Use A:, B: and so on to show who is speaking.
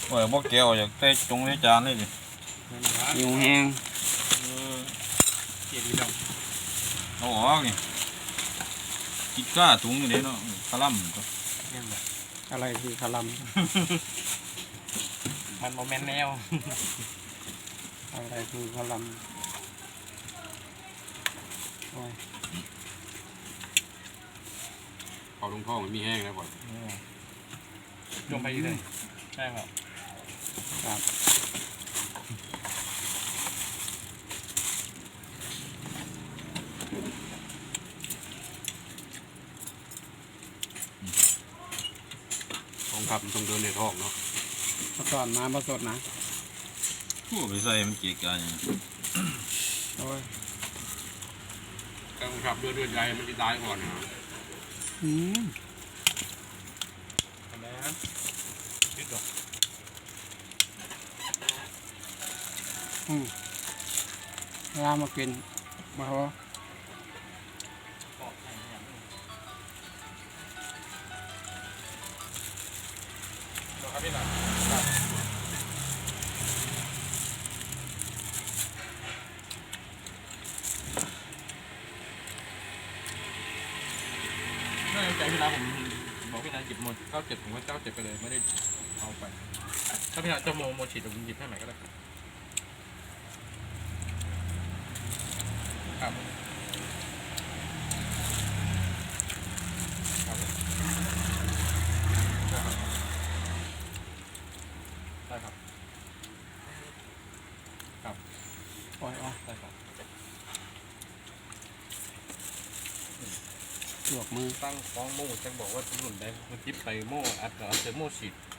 A: ว่าบ่แก้วอยากใส่จงใส่จานเลยดิ
B: หิวแห้ง
C: เกียรติดอก
A: เอาออกนี่กินก้าถุงนี่เด้เนาะคลั่มก็
C: เนี่ยแบบ
B: อะไรคือคาลัม
C: มันโมเมนต์แนว
B: อะไรคือคาลัมโอ้ย
D: เอาลงท้องมันมีแห้งแล้วก่อน
C: ลงไปเลยใช่ครับ
B: ครับ
D: ท้องครับมันต้องเดินในท้องเนาะ
B: มาสอนมาผสดนะ
A: ผู้ไปใส่มันเกะกะอย่าง
B: โอ้ย
D: กองครับเดินใหญ่มันจะตายก่อนนะ
B: อืม
C: ทำไมฮะยึดดอก
B: เวลามากินมาเขา
C: ครับพี่หน่อยน่าจะใจพี่น้าผมบอกพี่น้าหยิบหมด97ผมก็97ไปเลยไม่ได้เอาไปถ้าพี่น้าจะโมฉีดผมหยิบให้ใหม่ก็ได้ครับครับได้ครับ
B: โอ้ย
C: ได้ครับ
B: ลวกมือ
C: ตั้งฟ้องโม่จังบอกว่าถนนได้มันจิบไปโม่อัดกับอัดเจอโม่ฉีด